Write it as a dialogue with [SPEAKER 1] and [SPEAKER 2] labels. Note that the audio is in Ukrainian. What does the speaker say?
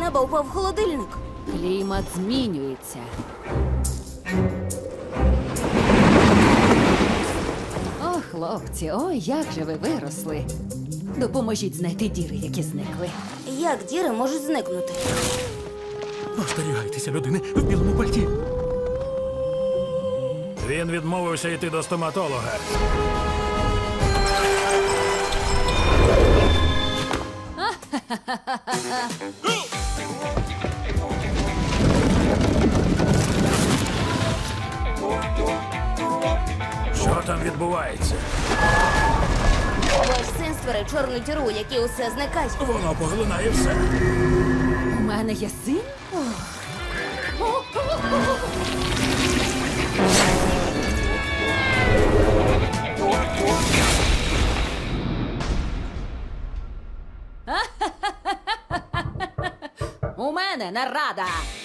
[SPEAKER 1] неба упав холодильник.
[SPEAKER 2] Клімат змінюється. О, хлопці, ой, як же ви виросли. Допоможіть знайти діри, які зникли.
[SPEAKER 1] Як діри можуть зникнути?
[SPEAKER 3] Остерігайтеся людини в білому пальті.
[SPEAKER 4] Він відмовився йти до стоматолога. Що там відбувається?
[SPEAKER 1] Ваш син створив чорну діру, у якій усе зникає.
[SPEAKER 4] Воно поглинає все.
[SPEAKER 2] У мене є син? У мене нарада!